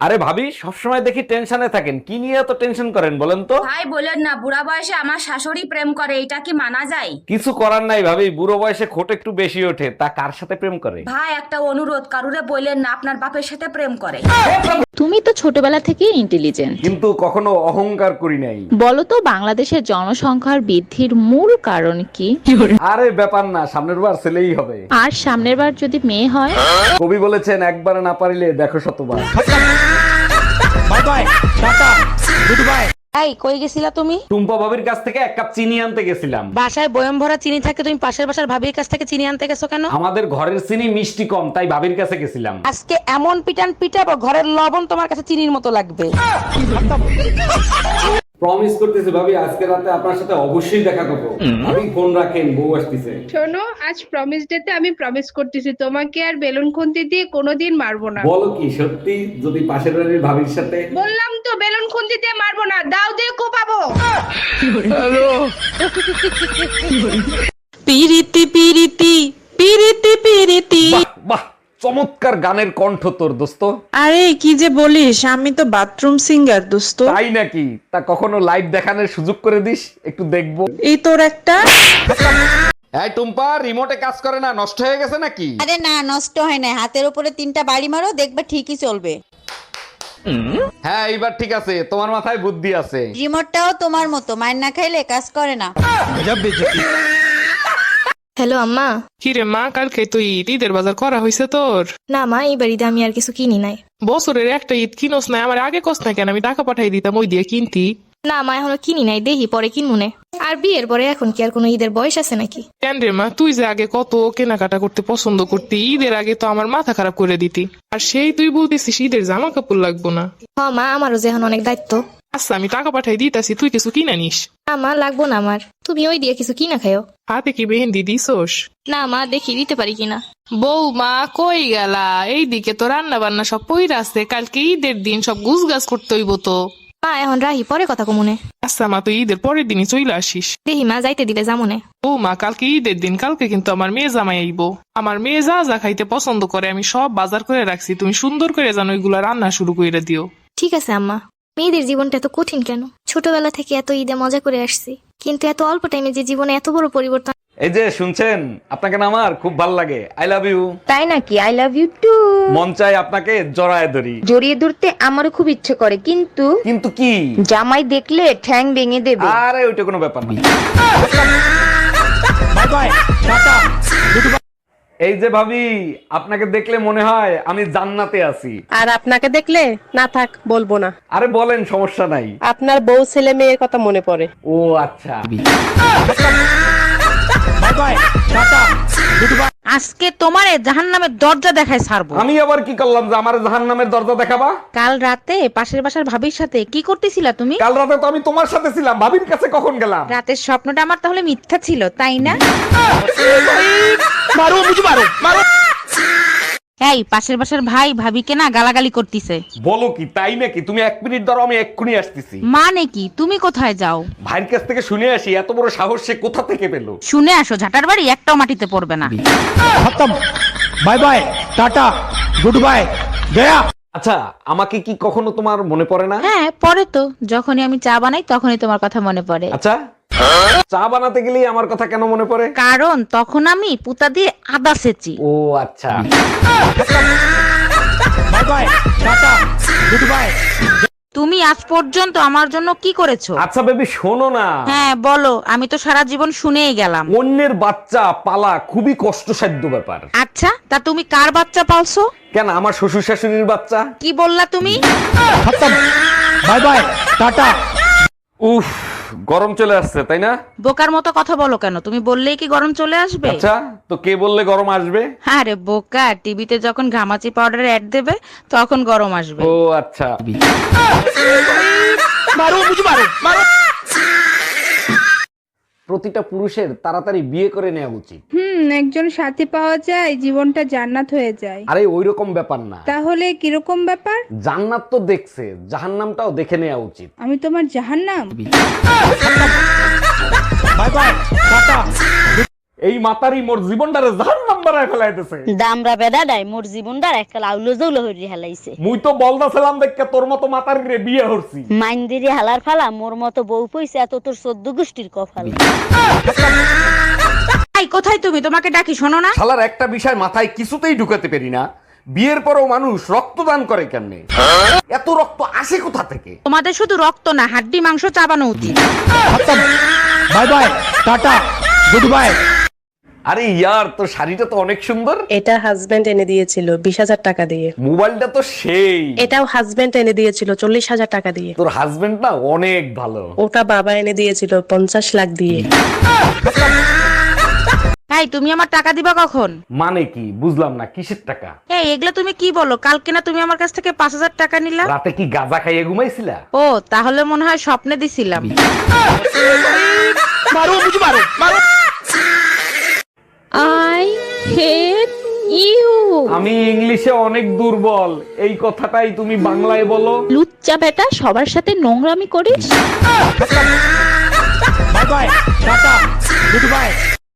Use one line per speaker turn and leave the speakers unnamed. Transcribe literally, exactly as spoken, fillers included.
আরে ভাবি, সবসময় দেখি টেনশনে থাকেন, কি নিয়ে এত টেনশন করেন বলেন তো?
ভাই বলেন না, বুড়া বয়সে আমার শাশুড়ি প্রেম করে, এটা কি মানা যায়?
কিছু করার নাই ভাবি, বুড়ো বয়সে খোট একটু বেশি ওঠে, তা কার সাথে প্রেম করে?
ভাই একটা অনুরোধ, কারুরে বললেন না আপনার বাপের সাথে প্রেম করে।
তুমি তো ছোটবেলা থেকেই ইন্টেলিজেন্ট।
কিন্তু কখনো অহংকার করি নাই।
বলো তো বাংলাদেশের জনসংখ্যার বৃদ্ধির মূল কারণ কি?
আরে ব্যাপার না, সামনের বার ছেলেই হবে।
আর সামনের বার যদি মেয়ে হয়?
কবি বলেছেন, একবার না পারিলে দেখো শতবার।
Bye bye, tata, good bye.
এই কই গেছিলা তুমি?
টুম্পা ভাবির কাছ থেকে এক কাপ চিনি আনতে গেছিলাম।
বাসায় বয়ম ভরা চিনি থাকে, তুমি পাশের বাসার ভাবির কাছ থেকে চিনি আনতে গেছো কেন?
আমাদের ঘরের চিনি মিষ্টি কম, তাই ভাবির কাছে গেছিলাম।
আজকে এমন পিটান পিটাবো ঘরের লবণ তোমার কাছে চিনির মতো লাগবে।
প্রমিস করতেছি ভাবি, আজকে রাতে আপনার সাথে অবশ্যই দেখা করবো। ভাবি ফোন রাখেন, বউ আসতেছে।
শোনো, আজ প্রমিস ডেতে আমি প্রমিস করতেছি তোমাকে আর বেলুন খুন্তি দিয়ে কোনোদিন মারবো না।
বলো কি সত্যি? যদি পাশের বাড়ির ভাবির সাথে?
বললাম তো বেলুন খুন্তি দিয়ে মারবো না, দাও দিয়ে কোপাবো।
পিরিতি পিরিতি পিরিতি পিরিতি।
বাহ বাহ, চমৎকার গানের কণ্ঠ তোর দোস্ত।
আরে কি যে বলিস, আমি তো বাথরুম সিঙ্গার দোস্ত।
তাই নাকি? তা কখনো লাইভ দেখানোর সুযোগ করে দিস, একটু দেখবো।
এই তোর একটা।
এই টুম্পা, রিমোটে কাজ করে না, নষ্ট হয়ে গেছে নাকি?
আরে না, নষ্ট হয় না, হাতের উপরে তিনটা বাড়ি মারো, দেখবে ঠিকই চলবে।
হ্যাঁ এইবার ঠিক আছে, তোমার মাথায় বুদ্ধি আছে।
রিমোটটাও তোমার মতো, মার না খাইলে কাজ করে না।
হ্যালো আম্মা।
কি রে মা, কালকে তো ঈদ, ঈদের বাজার করা হয়েছে তোর?
না মা, এই বাড়িতে আমি আর কিছু কিনি নাই।
বছরের একটা ঈদ কিনোস না, আমার আগে কস না কেন? আমি টাকা পাঠাই দিতাম, ওই দিয়ে কিনতি।
না মা, এখনো কিনি নাই, দেখি পরে কিনবো। আর বিয়ের পরে এখন কি আর কোনো ঈদের বয়স আছে নাকি?
কেন রে মা, তুই যে আগে কত কেনাকাটা করতে পছন্দ করতি, ঈদের আগে তো আমার মাথা খারাপ করে দিতি, আর সেই তুই বলতেছিস ঈদের জামা কাপড় লাগবো না।
হ মা, আমারও যে এখন অনেক দায়িত্ব।
আচ্ছা আমি টাকা পাঠাই দিতাছি, তুই কিছু কিনে নিস।
না মা, লাগবো না আমার, তুমি ওই দিয়ে কিছু কিনা খাও।
হাতে কি মেহেন্দি দিছোস?
না মা, দেখি দিতে পারি কিনা।
বউ মা কই গেলা? এইদিকে তো রান্না বান্না সব পইরা আছে, কালকে ঈদের দিন সব গুছ গাছ করতে হইব তো।
মা এখন রাহি, পরে কথা কমুনে।
আচ্ছা মা, তুই ঈদের পরের দিনই চইলে আসিস।
দেখি মা, যাইতে দিলে যামুনে।
ও মা, কালকে ঈদের দিন, কালকে কিন্তু আমার মেয়ে জামাই আইব। আমার মেয়ে যা যা খাইতে পছন্দ করে আমি সব বাজার করে রাখছি, তুমি সুন্দর করে জানো ওইগুলা রান্না শুরু করে দিও।
ঠিক আছে আম্মা। মেয়েদের জীবনটা এত কঠিন কেন? ছোটবেলা থেকে এত ঈদে মজা করে আসছি, কিন্তু এত অল্প টাইমে যে জীবনে এত বড় পরিবর্তন।
এই যে শুনছেন, আপনাকে না আমার খুব ভালো লাগে। I love you.
তাই নাকি? I love you too.
মন চাই আপনাকে জড়ায় ধরি।
জড়িয়ে ধরতে আমারও খুব ইচ্ছে করে, কিন্তু
কিন্তু কি?
জামাই দেখলে ঠ্যাং ভেঙে দেবে।
আরে ওইটা কোনো ব্যাপার না।
Bye bye, tata, good bye.
এই যে ভাবি, আপনাকে দেখলে মনে হয় আমি জান্নাতে আছি।
আর আপনাকে দেখলে না থাক বলবো না।
আরে বলেন, সমস্যা নাই।
আপনার বউ ছেলে মেয়ের কথা মনে পড়ে।
ও আচ্ছা।
Bye bye, tata, good bye.
আজকে তোমারে জাহান্নামের দরজা দেখায় ছাড়বো।
আমি আবার কি করলাম যে আমার জাহান্নামের দরজা দেখাবা?
কাল রাতে পাশের বাসার ভাবির সাথে কি করতেছিলা তুমি?
কাল রাতে তো আমি তোমার সাথে ছিলাম, ভাবির কাছে কখন গেলাম?
রাতের স্বপ্নটা আমার তাহলে মিথ্যা ছিল, তাই না?
মারো বুঝি, মারো মারো।
এই পাশের বাসার ভাই ভাবিকে না গালাগালি করতেছে।
বলো কি? তাই নাকি? তুমি এক মিনিট ধরো, আমি এক্ষুনি আসতেছি।
মানে কি? তুমি কোথায় যাও?
ভাইয়ের কাছ থেকে শুনে আসি, এত বড় সাহস সে কোথা থেকে পেলো?
শুনে আসো, ঝাটার বাড়ি একটাও মাটিতে পড়বে না।
খতম। Bye bye, tata, good bye, গয়া।
আচ্ছা, আমাকে কি কখনো তোমার মনে পড়ে না?
হ্যাঁ পরে তো, যখনই আমি চা বানাই তখনই তোমার কথা মনে পড়ে।
আচ্ছা, চা বানাতে গেলে আমার কথা কেন মনে পড়ে?
কারণ তখন আমি পুতা দিয়ে আদা সেচি।
ও আচ্ছা।
Bye bye, tata, good bye.
তুমি আজ পর্যন্ত আমার জন্য কি করেছো?
আচ্ছা বেবি, শোনো না।
হ্যাঁ বলো, আমি তো সারা জীবন শুনেই গেলাম।
অন্যের বাচ্চা পালা খুবই কষ্টসাধ্য ব্যাপার।
আচ্ছা, তা তুমি কার বাচ্চা পালছো?
কেন, আমার শ্বশুর শাশুড়ির বাচ্চা।
কি বললা তুমি?
খতম। Bye bye, tata.
উফ, গরম চলে আসছে তাই না?
বোকার মতো কথা বলো কেন? তুমি বললেই কি গরম চলে আসবে?
আচ্ছা, তো কে বললে গরম আসবে?
আরে বোকা, টিভিতে যখন ঘামাচি পাউডারের অ্যাড দেবে তখন গরম আসবে।
ও আচ্ছা।
মারো বুঝি, মারো মারো।
প্রতিটা পুরুষের তাড়াতাড়ি বিয়ে করে নেওয়া উচিত।
হুম, একজন সাথী পাওয়া যায়, জীবনটা জান্নাত হয়ে যায়।
আরে ওইরকম ব্যাপার না।
তাহলে কিরকম ব্যাপার?
জান্নাত তো দেখছে, জাহান্নামটাও দেখে নেওয়া উচিত।
আমি তোমার জাহান্নাম?
Bye bye, tata.
এই মাতারি মোর জীবনটারে জাহান্নাম বাড়ায় ফেলাইতেছে।
দামরা বেডাডাই মোর জীবনটার একটা লাউলো জৌলো হইরি হেলাইছে।
মুই তো বলদাছিলাম দেখে তোর মতো মাতার গিরে বিয়ে হরছি।
মাইন্দিরি হালার ফালা মোর মতো বউ পইছে এত তোর চোদ্দ গোষ্ঠীর কপাল।
এই কোথায় তুমি? তোমাকে ডাকি, শোনো না।
শালার একটা বিষয় মাথায় কিছুতেই ঢুকাতে পারি না, বিয়ের পরেও মানুষ রক্তদান করে কেমনে? এত রক্ত আসে কোথা থেকে?
তোমাদের শুধু রক্ত না, হাড্ডি মাংস চাবানো উচিত।
Bye bye tata good bye.
আরে ইয়ার, তোর শাড়িটা তো অনেক সুন্দর।
এটা হাজবেন্ড এনে দিয়েছিল বিশ হাজার টাকা দিয়ে।
মোবাইলটা তো সেই।
এটাও হাজবেন্ড এনে দিয়েছিল চল্লিশ হাজার টাকা দিয়ে।
তোর হাজবেন্ড না অনেক ভালো।
ওটা বাবা এনে দিয়েছিল পঞ্চাশ লাখ দিয়ে।
এই তুমি আমার টাকা দিবা কখন?
মানে কি বুঝলাম না, কিসের টাকা?
এই এগুলা তুমি কি বলো? কালকে না তুমি আমার কাছ থেকে পাঁচ হাজার টাকা নিলা?
রাতে কি গাঁজা খাইয়ে ঘুমাইছিলা?
ও তাহলে মনে হয় স্বপ্নে দিছিলাম।
मारो मुझे मारो मारो।
I hate you.
আমি ইংলিশে অনেক দুর্বল, এই কথাটাই তুমি বাংলায় বলো।
লুচ্চা বেটা, সবার সাথে নোংরামি করিস।
Bye bye tata good bye.